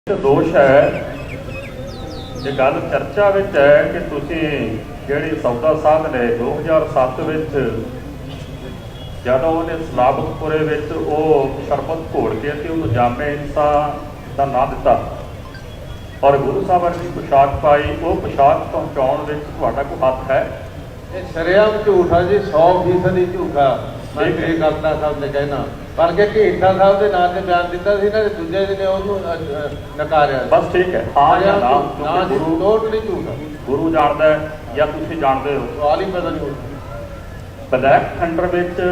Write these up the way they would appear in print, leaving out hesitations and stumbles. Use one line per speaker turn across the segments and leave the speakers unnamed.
दोष है ये गल चर्चा विच है कि तुसीं जिहड़ी सौदा साध ने 2007 विच जदों उहने सलाबतपुरे विच वो शरबत घोल के ते उहनूं जामे इंसान का नाम दिता और गुरु साहब वर्गी पोशाक पाई, वो पोशाक पहुँचाउण विच तुहाडा कोई हੱਥ है?
ये शरेआम झूठा जी, 100% झूठा। मैं श्री कलता साहब ने कहना पर कि ਢੀਠਾ ਸਾਹਿਬ ਦੇ ਨਾਂ ਤੇ ਬਿਆਨ ਦਿੱਤਾ ਸੀ ਨਾ, ਦੂਜੇ ਦਿਨ ਉਹਨੂੰ ਨਕਾਰਿਆ।
बस ठीक है, हाँ या ना,
ਨਾ ਜੀ, ਟੋਟਲੀ ਝੂਠਾ।
गुरु जानता है या तुसीं जानते हो?
सवाल ही पता नहीं होता।
ब्लैक थंडर विच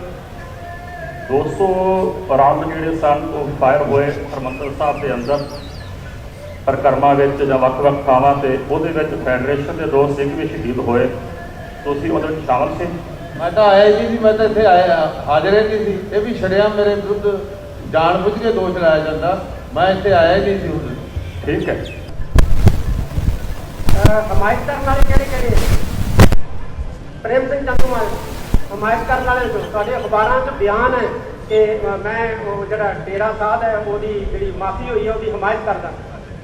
200 राउंड जिहड़े सन वो फायर होए हरमंदर साहब के अंदर परिक्रमा विच जां वख-वख थावां ते, ਉਹਦੇ ਵਿੱਚ फैडरेशन के 2 सिख भी शहीद होए। ਤੁਸੀਂ ਉਹਦੇ ਵਿੱਚ ਸ਼ਾਮਲ ਸੀ?
मैं तो आया ही नहीं, मैं तो इतने आया हाजिर ही नहीं थी। ये भी शरेआम मेरे विरुद्ध जानबूझ के दोष लाया जाता, मैं इतने आया ही नहीं थी उस दिन।
ठीक है।
हमायत करने वाले किहड़े प्रेम सिंह चंदूमाल हमायत करने वाले तुहाडे अखबारां 'च बयान है कि मैं वो जिहड़ा डेरा साध है उसकी जिहड़ी माफी हुई है उसकी हमायत करदा।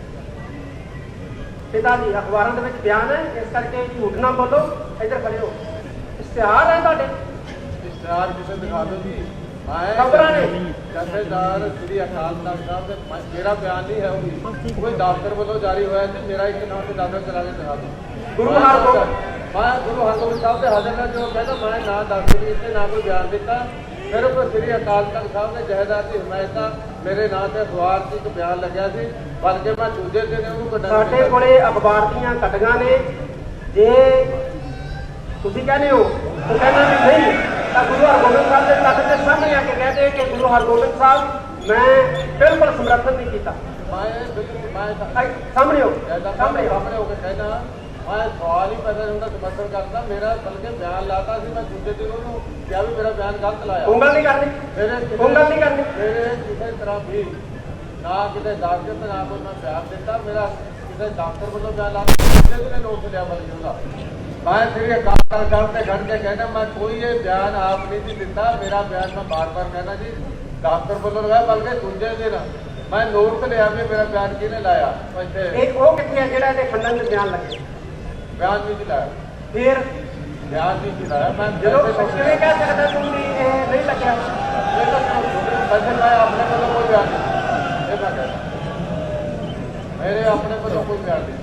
पिता जी अखबारां दे विच बयान है, इस करके झूठ ना बोलो। इधर खड़े हो, इश्तिहार है तुहाडे?
इश्तिहार किसे दिखा दो जी।
खबरां ने
जथेदार श्री अकाल तख्त साहब ने मेरा बयान नहीं है, वो भी कोई दफ्तर वालों जारी होया है, मेरा एक नाम से दाखिल करा के दिखा दो।
गुरु हरगोबिंद
मैं गुरु हरगोबिंद साहब के हाजिर में जो कहता मैं ना दाखिल इतने ना कोई बयान दिता। फिर को श्री अकाल तख्त साहब ने जहेदार की हिमायत मेरे नाम से अखबार से एक बयान लग्या सी, बल्कि मैं दूजे दिन
ਸਾਡੇ ਕੋਲੇ ਅਖਬਾਰ ਦੀਆਂ ਕੱਟੀਆਂ ਨੇ। ਜੇ ਤੁਸੀਂ ਕਹਿੰਦੇ ਹੋ तो कहना भी नहीं तो गुरु हरगोबिंद साहब के तख्त के सामने आके कहते कि गुरु हरगोबिंद साहब मैं बिल्कुल समर्थन नहीं किया। सामने हो
सामने होकर कहना मैं सवाल ही पैदा होगा समर्थन करता, मेरा बल्कि बयान लाता सी, मैं दूसरे दिन उन्होंने क्या भी मेरा बयान गलत लाया।
उंगल नहीं करनी, उंगल नहीं करनी।
मेरे किसी तरह भी ना किसी दाखिल ना कोई मैं बयान दिता, मेरा किसी डॉक्टर वालों बयान लाता दूसरे दिन नोट लिया बल्कि उनका। मैं श्री अकाल तख्त साहब से खड़ के कहना मैं कोई ये बयान आप नहीं सी दिता, मेरा बयान मैं बार बार कहना जी डॉक्टर वालों लगाया, बल्कि दूसरे दिन मैं नोट लिया भी मेरा बयान किने लाया।
वो कितने जिहड़ा इहदे खंडन में बयान लगे?
बयान नहीं लाया,
फिर
बयान नहीं लाया। मैं
जो किवें कह सकदा तुम भी नहीं लग्या?
वैसे मैं अपने वालों कोई बयान नहीं, ये मैं कहता मेरे अपने वालों कोई बयान नहीं।